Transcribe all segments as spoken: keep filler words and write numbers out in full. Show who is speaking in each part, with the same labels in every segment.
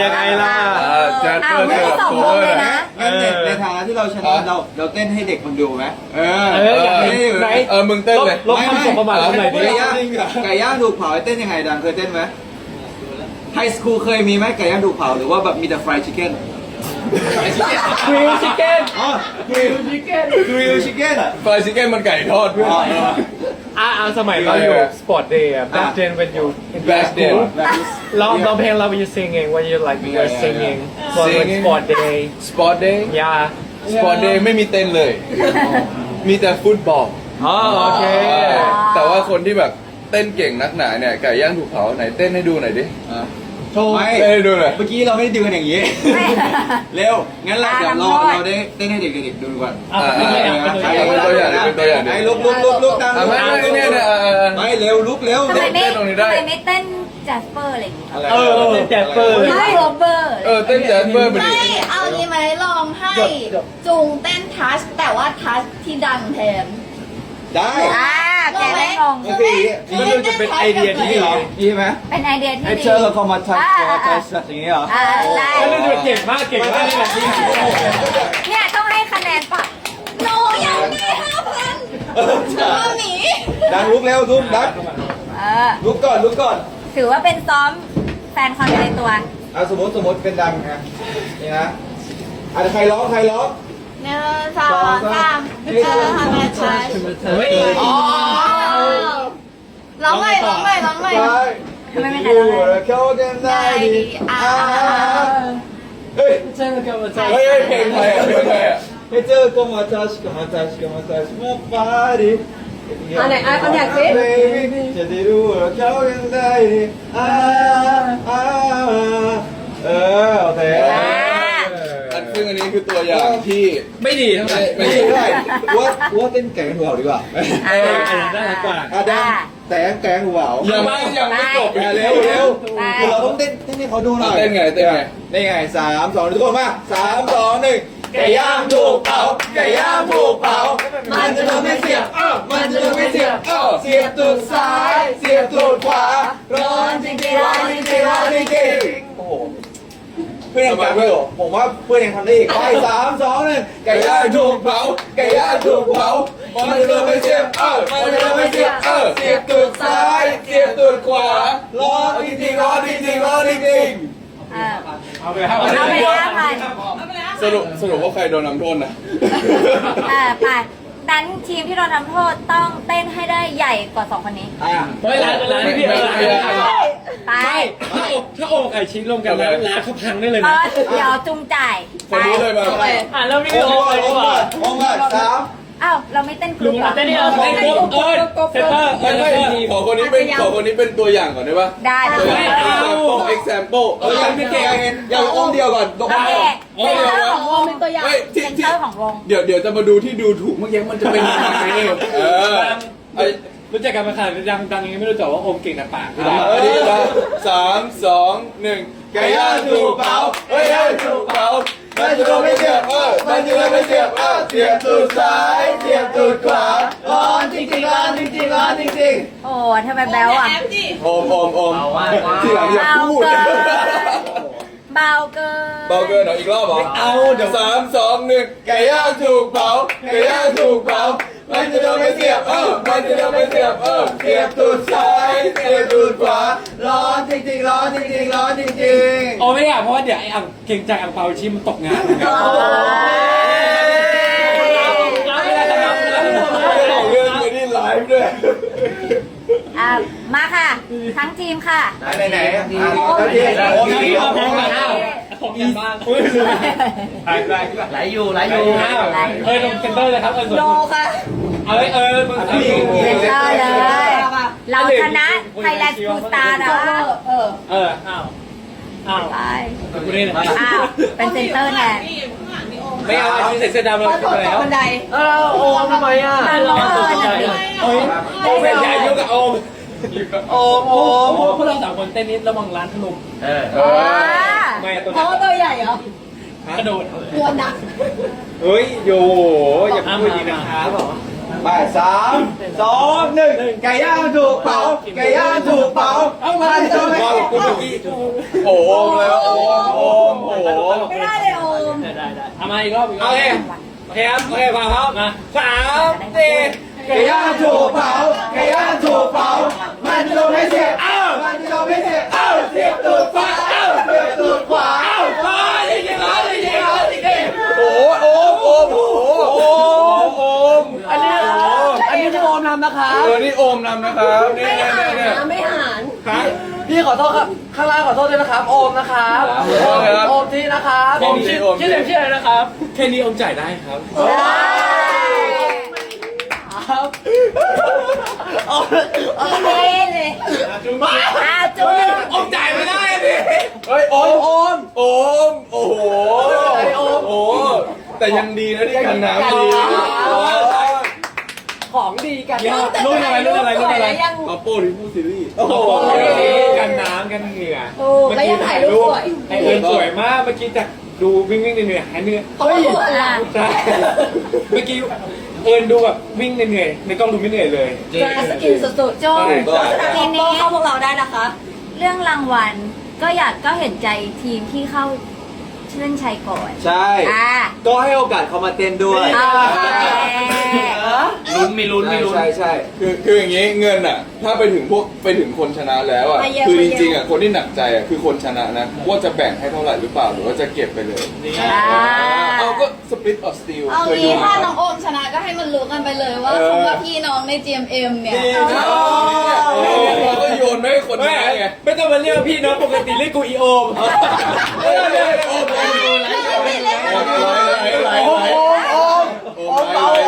Speaker 1: ยังไงล่ะ
Speaker 2: แจ็คเกอร์เสิร์ฟโคเวอร์นะงั้นในฐานะที่เราชนะเราเราเต้นให้เด็กมันดูไหมเออเออไหนเออมึงเต้นเลย
Speaker 1: ลบคำสบประมาทหน่อยดิ
Speaker 2: ไก่ย่างไก่ย่างถูกเผาเต้นยังไงดังเคยเต้นไหมไฮสคูลเคยมีไหมไก่ย่างถูกเผาหรือว่าแบบมีแต่ฟรายชิคเก้น
Speaker 1: กริลชิคเก้น
Speaker 2: อ๋อกริลชิคเก้นกริลชิคเก้นอ่ะฟรายชิคเก้นมันไก่ทอดด้วย
Speaker 1: อ่าสมัยเราอยู่สปอร์ตเดย์ back then when you
Speaker 2: back then
Speaker 1: ร้องร้องเพลงเรา when you singing when you like you're singing when sport day
Speaker 2: sport day
Speaker 1: yeah
Speaker 2: sport day ไม่มีเต้นเลยมีแต่ฟุตบอล
Speaker 1: อ๋อโอเค
Speaker 2: แต่ว่าคนที่แบบเต้นเก่งนักหนาเนี่ยไก่ย่างถูกเผาไหนเต้นให้ดูหน่อยดิโชว์เต้นให้ดูหน่อยเมื่อกี้เราไม่ได้ดูกันอย่างนี้เร็วงั้นเราเดี๋ยวเราเราได้เต้นให้เด็กๆดูก่อนเป็นตัวอย่างเป็นตัวอย่างไอ้ลุกลุกลุกลุกดังไม่ไม่เนี่ยไม่เร็วลุกเร็วเต้นตรงนี้ได้
Speaker 3: ทำไมไม่เต้นแจสเปอร์อะไรอย่างเงี้ย
Speaker 1: เออเต้นแจสเปอร์
Speaker 3: ไม่โรเบอร์
Speaker 2: เออเต้นแจสเปอร์ไม่
Speaker 4: เอานี้ไหมลองให้จุงเต้นทัชแต่ว่าทัชที่ดังแทน
Speaker 2: ได้
Speaker 3: อ่าแกไม่งง
Speaker 1: นี่มันจะเป็นไอเดียที่ดี
Speaker 2: ดีไหม
Speaker 3: เป็นไอเดียที่ดี
Speaker 2: ไอเชอร์เราเข้ามาทัชทัชอย่างนี้เหรอ
Speaker 3: อ่าได้
Speaker 1: เก่งมากเก่งมากนี่แหละ
Speaker 3: เนี่ยต้องให้คะแนนปะ
Speaker 4: โนยังได้ห้าพันมาหนี
Speaker 2: ดังลุกเร็วลุกดังลุกก่อนลุกก่อน
Speaker 3: ถือว่าเป็นซ้อมแฟนคอนในตัว
Speaker 2: อ่ะสมมติสมมติเป็นดังนะนี่นะอ่ะใครร้องใครร้อง
Speaker 4: หนึ่งสองสามเออทำไมใช่อ๋อร้องใหม่ร้องใหม่ร้องใหม่
Speaker 3: ไม่ไม่ใครร้องเลย
Speaker 2: เข้ากันได้ดีอ่าเฮ้ยเฮ้ยเพลงใครอ่ะเพลงใครอ่ะให้เจอก็มาทัชก็มาทัชก็มาทัชมาปาดิ
Speaker 3: อันไหนอ่ะคอนแทคสิ
Speaker 2: จะได้รู้ว่าเข้ากันได้ดีอ่าอ่าเออโอเคอันซึ่งอันนี้คือตัวอย่างที่
Speaker 1: ไม่ดีเท่าไหร่
Speaker 2: ไม่ดีเท่าไหร่ว่าว่าเต้นแกงหัวดีกว่า
Speaker 1: เอออันนั้นน่ารักกว่า
Speaker 2: อ่ะดังแต่แกงหัวยังไม่ยังไม่จบเร็วเร็วคือเราต้องเต้นเต้นให้เขาดูหน่อยเต้นไงเต้นไงได้ไงสามสองทุกคนมาสามสองหนึ่งไก่ย่างถูกเผาไก่ย่างถูกเผามันจะโดนไม่เสียบเออมันจะโดนไม่เสียบเออเสียบตูดซ้ายเสียบตูดขวาร้อนจริงจริงร้อนจริงจริงร้อนจริงจริงโอ้โหเพื่อนยังจำไม่หรอผมว่าเพื่อนยังทำได้อีกไปสามสองหนึ่งไก่ย่างถูกเผาไก่ย่างถูกเผามันจะโดนไม่เสียบเออมันจะโดนไม่เสียบเออเสียบตูดซ้ายเสียบตูดขวาร้อนจริงจริงร้อนจริงจริงร้อนจริงจริง
Speaker 1: เอาไปห้าพัน
Speaker 3: เอาไปห้าพัน
Speaker 2: สรุปสรุปว่าใครโดนนำโทษนะ
Speaker 3: เออไปนั้นทีมที่โดนทำโทษต้องเต้นให้ได้ใหญ่กว่าสองคนนี้
Speaker 1: ไม่ร้านร้านพี่เออ
Speaker 3: ไป
Speaker 1: ถ้าถ้าโอ่งไก่ชิ้นรวมกันแล้วร้านเขาพังได้เลยนะ
Speaker 3: เดี๋ยวจุงจ่าย
Speaker 2: คนรู้เลยมา
Speaker 1: อ่ะแล้วนี่โอ่งไปดีกว่า
Speaker 2: โอ่งมาสาม
Speaker 3: อ้าวเราไม่เต้นกลุ่มหรอ
Speaker 1: เต้นนี่เราเต้นกลุ่มเออเซนเตอร์
Speaker 2: ไม่ไม่ขอคนนี้เป็นขอคนนี้เป็นตัวอย่างก่อนได้ปะ
Speaker 3: ได้
Speaker 2: ตัวอย่าง example example ตัวอย่างไม่เก่งอย่างโอ่งเดียวก่อน
Speaker 3: โอเคเซนเตอร์ของวงเป็นตัวอย่างเซนเตอร์ของวง
Speaker 2: เดี๋ยวเดี๋ยวจะมาดูที่ดูถูกเมื่อกี้มันจะเป็นยังไงเออ
Speaker 1: รู้จักกันมาขนาดดังดังยังไม่รู้จักว่าโอมเก่งแต่ปาก
Speaker 2: เออดีแล้วสามสองหนึ่งไก่ย่างถูกเผาเฮ้ยถูกเผามันจะโดนไม่เสียบเออมันจะโดนไม่เสียบเออเสียบตูดซ้ายเสียบตูดขวาร้อนจริงจริงร้อนจริงจริงร้อนจริงจริง
Speaker 3: โอ้ทำไมแบ๊วอ่ะ
Speaker 2: โอมโอมโอมที่หลังอย่าพูด
Speaker 3: เบาเกิน
Speaker 2: เบาเกินเหรออีกรอบเหรอเอาเดี๋ยวสามสองหนึ่งไก่ย่างถูกเผาไก่ย่างถูกเผามันจะโดนไม่เสียบเออมันจะโดนไม่เสียบเออเสียบตูดซ้ายเสียบตูดขวาร้อนจริงจริงร้อนจริงจริงร้อนจริงจริง
Speaker 1: โอ้ไม่อยากเพราะว่าเดี๋ยวไอ้อังเก่งใจอังเปาชิมมันตกงาน
Speaker 2: เรื่องไม่ได้ไลฟ์ด้วย
Speaker 3: อ่ะมาค่ะทั้งทีมค่ะ
Speaker 2: ไหนไหน
Speaker 1: โอ้ยโอ้ยเอาแพงมาเอาของกันบ้างไหลไหลไหลอยู่ไหลอยู่เฮ้ยลงเซนเตอร์เลยครับเออ
Speaker 3: โนค่ะ
Speaker 1: เอ้ยเออมึง
Speaker 3: เซนเตอร์เลยเราชนะไทยแลนด์สกูสตาร์นะ
Speaker 1: เออเอออ้าวอ้าว
Speaker 3: ไป
Speaker 1: กูนี่นะ
Speaker 3: อ้าวเป็นเซนเตอร์แทน
Speaker 1: ไม่เอาอันนี้ใส่เสื้อดำเราขึ้นมาแล้ว
Speaker 3: เออโอมทำไมอ่ะร้อน
Speaker 1: โอ้ยโอมเป็นใหญ่ยุ่งกับโอมโอมโอมพวกเราสามคนเต้นนิดระวังร้านถล่มเออไม่ตัว
Speaker 3: เพราะตัวใหญ่เหรอ
Speaker 1: กระโดด
Speaker 3: ตัวหนัก
Speaker 1: เฮ้ยโยอย่าพูดดีนะครับบอก
Speaker 2: ไปสามสองหนึ่งไก่ย่างถูกเผาไก่ย่างถูกเผาเอามาโดนไม่เสียบโอ้โหแล้วโอ้โห
Speaker 1: เอามาอีกรอบอีกรอบโอเคโอเคครับโอเคมาครับมาสามสี่
Speaker 2: ไก่ย่างถูกเผาไก่ย่างถูกเผามันจะโดนไม่เสียบอ้าวมันจะโดนไม่เสียบอ้าวเสียบตูดขวาอ้าวเสียบตูดขวาอ้าว
Speaker 1: มาจริงๆแล้วจริงๆแล้วจริงๆ
Speaker 2: โอ้โอ้โอ้โอ้โอ้โอ้
Speaker 1: อันนี้อันนี้คือโอมทำนะครับ
Speaker 2: เออนี่โอมนำนะครับเนี่ยเนี่ยเนี่ย
Speaker 4: ไม่หาน
Speaker 1: พี่ขอโทษครับข้างล่างขอโทษด้วยนะครับโอมนะครับโอมที่นะครับ
Speaker 2: โอมที่โอม
Speaker 1: ชื่อเต็มชื่ออะไรนะครับแค่นี้โอมจ่ายได้ครับ ครับ
Speaker 3: โอเคเลยอ่าจุ๊บ
Speaker 1: โอมจ่ายไม่ได้พี่
Speaker 2: เฮ้ยโอมโอมโอมโอ้โหโอมโอ้แต่ยังดีนะที่กันน้ำดี
Speaker 1: ของดีกันรุ่นอะไรรุ่นอะไรรุ่นอะไร
Speaker 2: อัปโป้ริมูซีรีส์
Speaker 1: โอ้โหกันน้ำกันเหงื่อ
Speaker 4: ถูกแล้วยังถ่ายรูปสวย
Speaker 1: ไอเอิญสวยมากเมื่อกี้จากดูวิ่งวิ่งเหนื่อยหายเหนื่อย
Speaker 4: เพราะว่าตัวอะไร
Speaker 1: ใช่เมื่อกี้เอิญดูแบบวิ่งเหนื่อยในกล้องดูไม่เหนื่อยเลย
Speaker 4: จะสกินสุด
Speaker 3: โจทีนี้เข้าพวกเราได้นะคะ เรื่องรางวัลก็อยากก็เห็นใจทีมที่เข้าเล่นชัยก่อน
Speaker 2: ใช่
Speaker 3: อ่า
Speaker 2: ก็ให้โอกาสเขามาเต้นด้วย
Speaker 3: โอเค
Speaker 1: ลุ้นมีลุ้นมีลุ้น
Speaker 2: ใช่ใช่คือคืออย่างงี้เงินอ่ะ ถ้าไปถึงพวกไปถึงคนชนะแล้วอ่ะคือจริงๆอ่ะคนที่หนักใจอ่ะคือคนชนะนะว่าจะแบ่งให้เท่าไหร่หรือเปล่าหรือว่าจะเก็บไปเลย
Speaker 3: อ่า
Speaker 2: เอาก็สปริตออฟสตีล
Speaker 4: ๆเอางี้ถ้าน้องโอมชนะก็ให้มันรู้กันไปเลยว่าคำว่าพี่น้องใน จี เอ็ม เอ็ม เนี่ย
Speaker 2: เราก็โยนไม่ให้คน
Speaker 1: ไม่
Speaker 2: ชนะไง
Speaker 1: ไม่ต้องมาเรียกพี่น้องปกติเรียกกูอีโอม
Speaker 2: เฮ้ยเฮ้ยโอมโอมโอมโอมโอมโอมโอม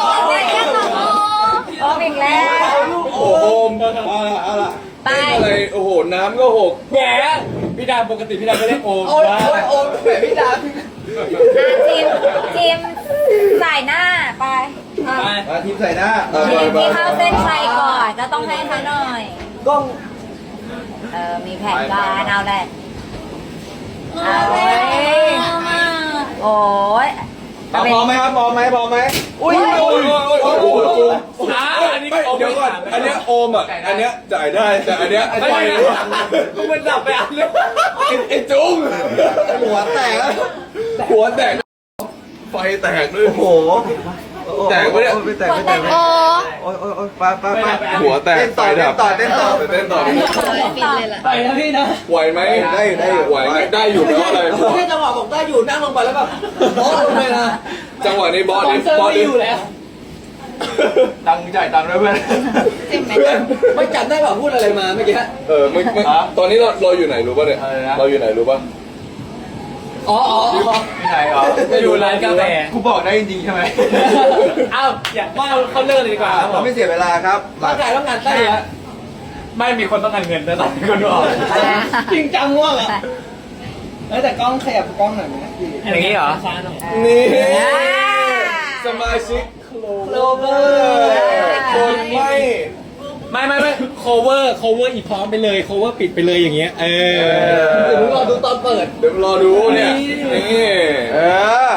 Speaker 3: โอ้อีกแล้ว
Speaker 2: โอมเอาละเอาละ
Speaker 3: ไป
Speaker 2: อะไรโอ้โหน้ำก็หก
Speaker 1: แหมพี่ดาปกติพี่ดาก็เรียกโอม
Speaker 2: โอ้ยโอ้ยโอมแบบพี่ดา
Speaker 3: ทีมทีมสายหน้าไป
Speaker 1: ไป
Speaker 2: มาทีมใส่หน้า
Speaker 3: ทีมที่เข้าเส้นชัยก่อนก็ต้องให้เขาหน่อย
Speaker 2: กล้อง
Speaker 3: เออมีแผนการเอาแหละ
Speaker 4: เอาเลย
Speaker 3: โอ้ย
Speaker 2: พร้อมไหมครับพร้อมไหมพร้อมไหมอุ้ยอุ้ยอุ้ยโอ้โห
Speaker 1: อ่าอันนี้
Speaker 2: เดี๋ยวก่อนอันเนี้ยโอมอ่ะอันเนี้ยจ่ายได้แต่อันเนี้ย
Speaker 1: ไม่
Speaker 2: ปล่อย
Speaker 1: ได้กูมันดับไปอันเลย
Speaker 2: ไอ้จุ้งหัวแตกหัวแตกไฟแตกด้วยโอ้โหแตกปะเนี่ยไม่แตกไม่แตก
Speaker 4: โอ้
Speaker 2: โอ้ยโอ้ยโอ้ยไปไปไปหัวแตกไฟดับเต้นต่อเต้นต่อเต้นต่อ
Speaker 4: ปิดเลยล่ะ
Speaker 1: ไปนะพี่นะ
Speaker 2: ไหวไหมได้อยู่ได้อยู่ไหวไหมได้อยู่แปลว่าอะไร
Speaker 1: แค่จังหวะผมได้อยู่นั่งลงไปแล้วแบบโอ้ลงไปนะ
Speaker 2: จังหวะนี้บอส
Speaker 1: สปอ
Speaker 2: ดิ
Speaker 1: นเซอร์
Speaker 2: บอส
Speaker 1: ไม่
Speaker 2: ดิ
Speaker 1: อยู่แล้ว
Speaker 2: ตังค์จ่ายตังค์ด้วยเพื่อน
Speaker 4: เจ็บไหม
Speaker 2: เพื่อน
Speaker 1: ไม่จำได้แบบพูดอะไรมาเมื่อกี้
Speaker 2: เออไม่ไม่ตอนนี้เราเราอยู่ไหนรู้ป่ะเนี่ยเราอยู่ไหนรู้ป่ะ
Speaker 1: อ๋ออ๋อ
Speaker 2: ที่ไหนอ๋อ
Speaker 1: จะอยู่ร้านกาแฟ
Speaker 2: กูบอกได้จริงๆใช่ไหม
Speaker 1: อ้าวอยากว่าเขาเลิกเลยดีกว่าครับผ
Speaker 2: เรา
Speaker 1: ม
Speaker 2: ไม่เสียเวลาครับ
Speaker 1: ร่างกายต้องงานได้เหรอไม่มีคนต้องการเงินนะตอนนี้คนดูออกจริงจังว่ะเออแต่กล้องขยับกล้องหน่อยไหมอย่างนี้เหรอ
Speaker 2: นี่สมาชิกโคลเวอร์คนไม่
Speaker 1: ไม่ไม่ไม่ cover cover อีพร้อมไปเลย cover ปิดไปเลยอย่างเงี้ยเออเดี๋ยวรอดูตอนเปิด
Speaker 2: เดี๋ยวรอดูเนี่ยนี่เออ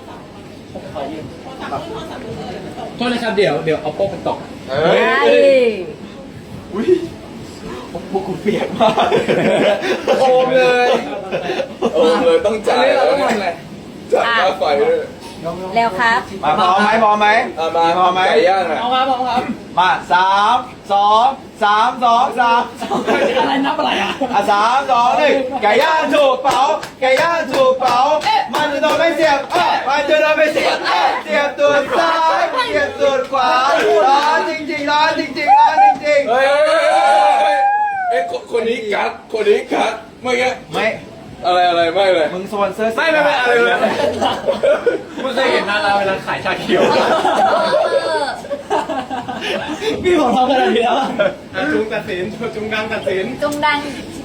Speaker 1: โทษนะครับเดี๋ยวเดี๋ยวเอาโป๊กมันตก
Speaker 2: เฮ้ย
Speaker 3: เฮ้ย
Speaker 2: อุ้ยพวกกูเปียกมากโอมเลยโอมเลยต้องจ่ายแล้วเนี่ยจ่ายค่าไฟด้วย
Speaker 3: เร็วครับ
Speaker 2: มาพร้อมไหมพร้อมไหมมาพร้อมไหมไก่ย่างอ่ะ
Speaker 1: เอาครับเอาครับ
Speaker 2: มาสามสองสามสองสาม
Speaker 1: อะไรนับอะไรอ่ะ
Speaker 2: อ่ะสามสองหนึ่งไก่ย่างถูกเผาไก่ย่างถูกเผามันจะโดนไม่เสียบเอ้ยมันจะโดนไม่เสียบเอ้ยเสียบตัวซ้ายเสียบตัวขวาร้อนจริงๆร้อนจริงๆร้อนจริงๆเฮ้ยเฮ้ยเฮ้ยเอ้ยคนนี้กัดคนนี้กัดเมื่อกี้ไม่อะไรอะไรไม่เลยมึงสปอนเซอร์ไม่ไม่ไม่อะไรเลย
Speaker 1: คุณเคยเห็นนาราเวลาขายชาเขียวพี่ผมทำขนาดนี้แล้วจุงตัดสินจุงกังตัดสิน
Speaker 3: จงดัง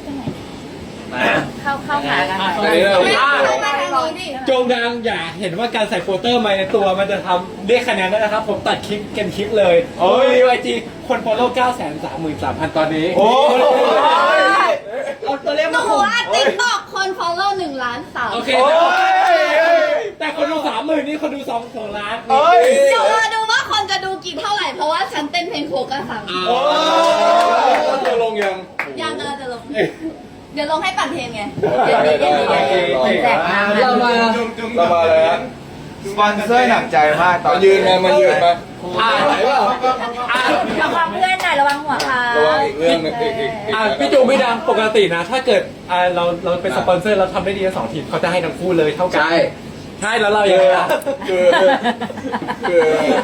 Speaker 3: เข้าเข้าหากันหน่อย
Speaker 2: อันนี้เรา
Speaker 4: ไม่ไม่ไม่ทางนี้ดิ
Speaker 1: จงดังอย่าเห็นว่าการใส่โฟลเตอร์มาในตัวมันจะทำเรียกคะแนนได้นะครับ ผมตัดคลิปเกนคลิปเลยโอ้ยรีวายจีคนฟอลโล่เก้าแสนสามหมื่นสามพันตอนนี้
Speaker 2: โอ้ย
Speaker 1: เอาตัวเลข
Speaker 4: หนู
Speaker 1: มาคุม
Speaker 4: ว่าติ๊กต็อกคน follow หนึ่งล้านสาม
Speaker 1: โอเค
Speaker 2: โอ้ย
Speaker 1: แต่คนดูสามหมื่นนี่คนดูสองสองล้าน
Speaker 2: เอ้ย
Speaker 4: เดี๋ยวมาดูว่าคนจะดูกี่เท่าไหร่ เพราะว่าฉันเต้นเพลงโคกันสั่ง
Speaker 2: โอ้ยจะลงยัง
Speaker 4: ยังกำลังจะลงเดี๋ยวลงให้ปั่นเทรนไง
Speaker 2: ได้ได้ได้ได้
Speaker 3: แจกน้ำ
Speaker 1: เรามา
Speaker 2: เรามาเลยฮะสปอนเซอร์หนักใจมากตอนยืนมามายืนมา
Speaker 1: อ่าไหนเปล่าอ่า
Speaker 3: ระวังเพื่อนหน่อยระวังหัวค่ะ
Speaker 2: ระวังอีกเรื่องหนึงอีกอีกอีก
Speaker 1: อ่าพี่จูไม่ดังปกตินะ ถ้าเกิดอ่าเราเราเป็นสปอนเซอร์เราทำได้ดีทั้งสองทีมเขาจะให้ทั้งคู่เลยเท่ากัน
Speaker 2: ใช่
Speaker 1: ใช่แล้วเราอย่างไรล่ะ
Speaker 2: คือคือ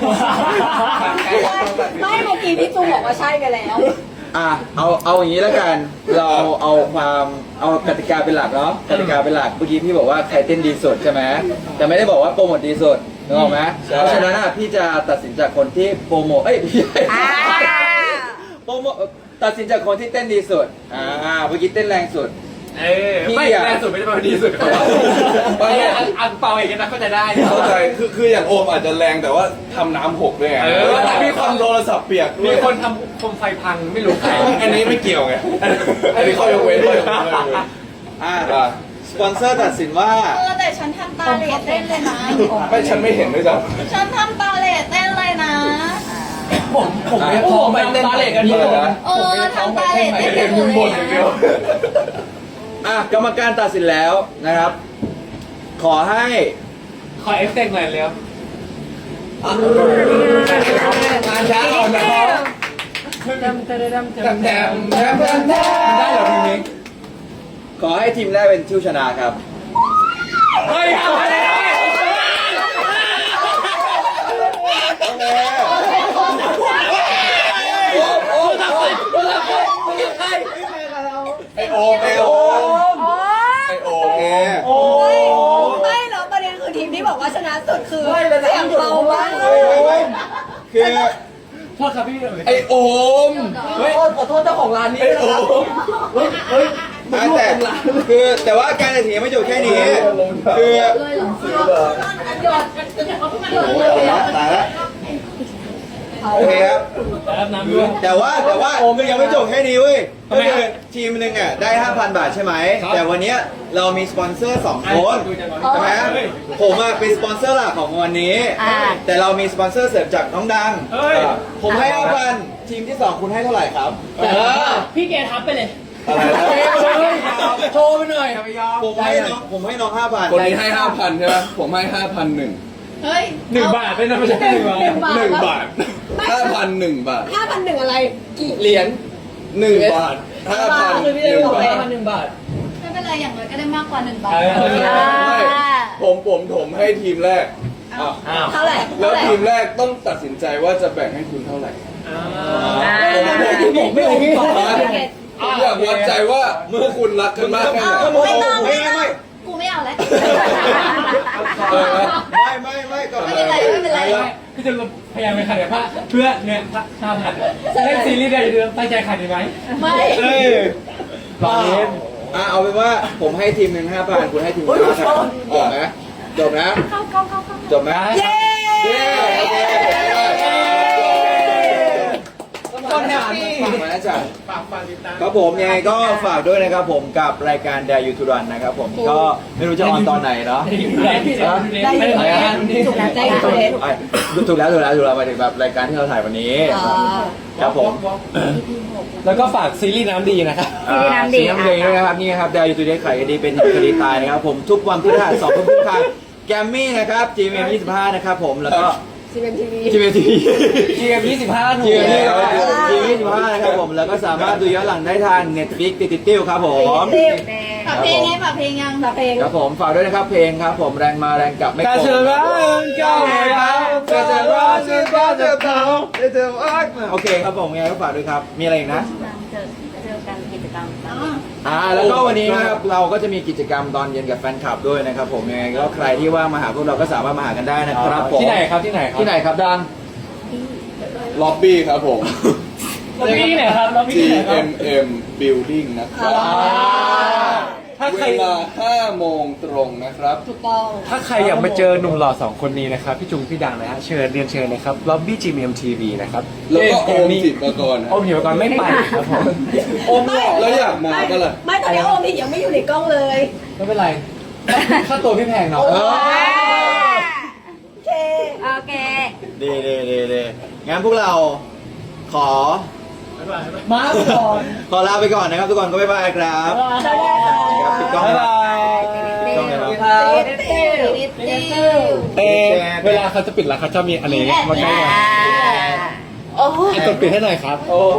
Speaker 4: ไม่เมื่อกี้พี่จูบอกว่าใช่ไปแล้ว
Speaker 2: อ่ะเอาเอาอย่างนี้แล้วกัน เราเอาความเอากติกาเป็นหลักเนาะกติกาเป็นหลักเมื่อกี้พี่บอกว่าใครเต้นดีสุดใช่ไหมแต่ไม่ได้บอกว่าโปรโมทดีสุดนึกออกไหมเพราะฉะนั้นอ่ะพี่จะตัดสินจากคนที่โปรโมทเอ้ยพี่
Speaker 3: อ่า
Speaker 2: โปรโมทตัดสินจากคนที่เต้นดีสุดอ่าเมื่อกี้เต้นแรงสุด
Speaker 1: เออไม่แรงสุดไม่ได้มาดีสุดเขาไอ้อันอันเปล่าเองนะเข้าใจได้
Speaker 5: เข้าใจคือคืออย่างโอมอาจจะแรงแต่ว่าทำน้ำหกด้วยไง
Speaker 1: เออ
Speaker 5: แต่มีคนโทรศัพท์เปียก
Speaker 1: มีคนทำโคมไฟพังไม่รู้ใคร
Speaker 5: อันนี้ไม่เกี่ยวไง อันนี้ข้อยกเว้นข้อยกเว้นข้อยกเว้น
Speaker 2: อ่า
Speaker 5: อ่ะ
Speaker 2: สปอนเซอร์ตัดสินว่า
Speaker 4: เออแต่ฉันทำตาเหล่เต้นเลยนะ
Speaker 5: ไม่ฉันไม่เห็นด้วยซ้
Speaker 4: ฉันทำตาเหล่เต้นเลยนะ
Speaker 1: ผมผมไม่พร้อมไปเต้นตาเหล็กกันดีเลยนะ
Speaker 4: เออทำตาเหล่เต้น
Speaker 5: ำเห็น
Speaker 4: เล
Speaker 5: มึง
Speaker 4: ย
Speaker 5: บ่นอย่างเดียว
Speaker 2: อ่ะกรรมการตัดสินแล้วนะครับ ขอให้
Speaker 1: ขอเอฟเฟกต์หน่อยเร็วงานช้าก่อนนะครับแถมแถมแถมแถมแถมแถมได้เหรอทีนี้
Speaker 2: ขอให้ทีมแรกเป็นผู้ชนะครับ
Speaker 1: เฮ้ยเอาไปเลย
Speaker 2: โอเค
Speaker 5: ไอโอมไอโอม
Speaker 3: โอ้
Speaker 5: ไอโอ
Speaker 2: โอเค
Speaker 5: ม
Speaker 1: โอ้
Speaker 4: ไม่แล้วประเด็นคือทีมที่บอกว่าชนะสุดคือเสียงเบามาก
Speaker 2: คือ
Speaker 1: โทษครับพี่
Speaker 5: ไอโอม
Speaker 1: เฮ้ยขอโทษเจ้าของร้านนี้
Speaker 5: ไอโอม
Speaker 2: อ่ะแต่คือแต่ว่าการตัดสินยังไม่จบแค่นี้ คือ
Speaker 4: เลยเหรอหยด
Speaker 2: ตายแล้วโอเคครับ
Speaker 1: แล้วน้ำด้วย
Speaker 2: แต่ว่าแต่ว่าคือยังไม่จบแค่นี้เว้ยก็คือทีมหนึ่งอ่ะได้ ห้าพัน บาทใช่ไหม แต่วันเนี้ยเรามีสปอนเซอร์สองคนใช่ไหมผมอ่ะเป็นสปอนเซอร์หลักของวันนี้
Speaker 3: อ่า
Speaker 2: แต่เรามีสปอนเซอร์เสริมจากน้องดัง
Speaker 1: เฮ้ย
Speaker 2: ผมให้ ห้าพัน ทีมที่สองคุณให้เท่าไหร่ครับ
Speaker 1: พี่เกทับไปเลย
Speaker 2: อะไรนะ
Speaker 1: โชว์ไปหน่อย
Speaker 2: ผมให้น้องผมให้น้องห้าพัน
Speaker 5: คนนี้ให้ห้าพันใช่ไหมผมให้ห้าพันหนึ่ง
Speaker 4: เฮ้ย
Speaker 1: หนึ่งบาทเป็นนะไม่ใช่หนึ่งบาท
Speaker 5: หนึ่งบาทห้าพันหนึ่งบาท
Speaker 4: ห้าพันหนึ่งอะไร กี่
Speaker 1: เหรียญ
Speaker 5: หนึ่งบาทห้าพันหนึ่งบาท
Speaker 1: หนึ่งบาท
Speaker 4: ไม่เป็นไรอย่างน้อยก็ได้มากกว่าหนึ่งบาท
Speaker 1: เออ
Speaker 5: ไม่ผมผมผมให้ทีมแรกอ่ะ
Speaker 1: อ้าว
Speaker 4: เท่าไหร่
Speaker 5: แล้วทีมแรกต้องตัดสินใจว่าจะแบ่งให้คุณเท่าไหร่
Speaker 3: อ่า
Speaker 1: ผมไม่ผมสอง
Speaker 5: ผมอยากวัดใจว่าเมื่อคุณรักกันมากแค่ไหน
Speaker 4: ไม่ต้อง
Speaker 2: ไม่
Speaker 4: ไม่
Speaker 2: ไม่
Speaker 4: ต้องกูไม่เอาแล้ว
Speaker 5: เออ
Speaker 2: ไม่ไม่ไม่ก็
Speaker 4: ไม่เป็นไรไม่เป็นไร
Speaker 1: พี่จะพยายามไปขายพระเพื่อเนี่ยพระชาผัดเล่นซีรีส์ได้เดือนตั้งใจขายดีไหม
Speaker 4: ไม่
Speaker 1: เอ้ยลองเล่น
Speaker 2: อ่ะเอาเป็นว่าผมให้ทีมหนึ่งห้าพันคุณให้ทีมหนึ่งห้าพันจบนะจบนะ
Speaker 3: เข้าเข้าเข้าเข้า
Speaker 2: จบนะ
Speaker 3: เย้
Speaker 2: เย้โอเค
Speaker 1: คนแฮปปี้
Speaker 2: ฝากมานะจ๊ะ
Speaker 1: ฝากฝากติดตาม
Speaker 2: ครับผมยังไงก็ฝากด้วยนะครับผมกับรายการ Dare You to Run นะครับผมก็ไม่รู้จะออนตอนไหนเนาะ
Speaker 1: ได้อยู่ได้อยู่
Speaker 3: ถูกแล้วใจถูกแล้ว
Speaker 2: ไอ้ถูกแล้วถูกแล้วถูกแล้วหมายถึงแบบรายการที่เราถ่ายวันนี้ครับผม
Speaker 1: แล้วก็ฝากซีรีส์น้ำดีนะครับ
Speaker 3: ซีรีส์น้ำดี
Speaker 2: ซีรีส์น้ำดีด้วยนะครับนี่ครับ Dare You to Run ขายคดีเป็นคดีตายนะครับผมทุกวันพฤหัสสองทุ่มครึ่งทางแกมมี่นะครับ จี เอ็ม ยี่สิบห้านะครับผมแล้วก็
Speaker 4: ซีเอ็มทีวี
Speaker 2: จี เอ็ม ที วี
Speaker 1: จีเอ็มยี่สิบห้าถู
Speaker 2: จี
Speaker 1: ก
Speaker 2: เอ็ม
Speaker 1: แล้ว
Speaker 2: ยี่สิบห้านะครับผมแล้วก็สามารถดูย้อนหลังได้ทาง Netflix ติดติดติ้วครับผม
Speaker 4: ฝากเพลงไงฝากเพลงยังฝากเพลง
Speaker 2: ครับผมฝากด้วยนะครับเพลงครับผมแรงมาแรงกลับไม่
Speaker 1: การ
Speaker 2: โก
Speaker 1: เชิญ
Speaker 2: ง
Speaker 1: ร้านก้าวไม่เอาการเชิญร้านเชิญร้านเชิญเขา
Speaker 2: โอเคครับผมยังไงก็ฝากด้วยครับมีอะไรอีกนะ
Speaker 3: เจอเจอกันกิจกรรมกัน
Speaker 2: อ่าแล้วก็วันนี้นะครับเราก็จะมีกิจกรรมตอนเย็นกับแฟนคลับด้วยนะครับผมยังไงก็ใครที่ว่างมาหาพวกเราก็สามารถมาหากันได้นะครับผม
Speaker 1: ที่ไหนครับที่ไหนครับ
Speaker 2: ที่ไหนครับดัง
Speaker 5: ล็อบบี้ครับผม
Speaker 1: เราพี่ที่ไหนครับเราพี่
Speaker 5: G
Speaker 1: ที่ไหนครับ
Speaker 5: M M Building นะครับ
Speaker 1: ถ้าใคร
Speaker 5: เวลาห้าโมงตรงนะครับ
Speaker 4: ถูกต้อง
Speaker 1: ถ้าใครอยากมาเจอหนุ่มหล่อสองคนนี้นะครับพี่จุงพี่ดังนะฮะเชิญเรียนเชิญนะครับล็อบบี้จีเอ็มทีวีนะครับ
Speaker 5: แล้วก็โอมจิตรกรนะ
Speaker 1: โอมหิวก่อนไม่ไปครับผม
Speaker 5: โอมหล่อแล้วอยากมาก็ล่ะ
Speaker 4: ไม่ตอนนี้โอมพี่ยังไม่อยู่ในกล้องเลย
Speaker 1: ไม่เป็นไรค่าตัวพี่แพงเนาะ
Speaker 2: เออ
Speaker 4: โอเค
Speaker 3: โอเค
Speaker 2: ดีดีดีดีงั้นพวกเราขอ
Speaker 1: มาก่อน
Speaker 2: ขอลาไปก่อนนะครับทุกคนก็บ๊ายบายครับ
Speaker 4: ได้ค่ะ
Speaker 2: ครับปิดกล้อง
Speaker 1: บ๊าย
Speaker 2: นะ
Speaker 1: บาย
Speaker 2: กล้องเลยครับ
Speaker 1: เตเวลาเขาจะปิดแล้วเขาจะมีอันนี้มาใกล้
Speaker 3: อ่า
Speaker 4: โอ้ย
Speaker 1: กดปิดให้หน่อยครับ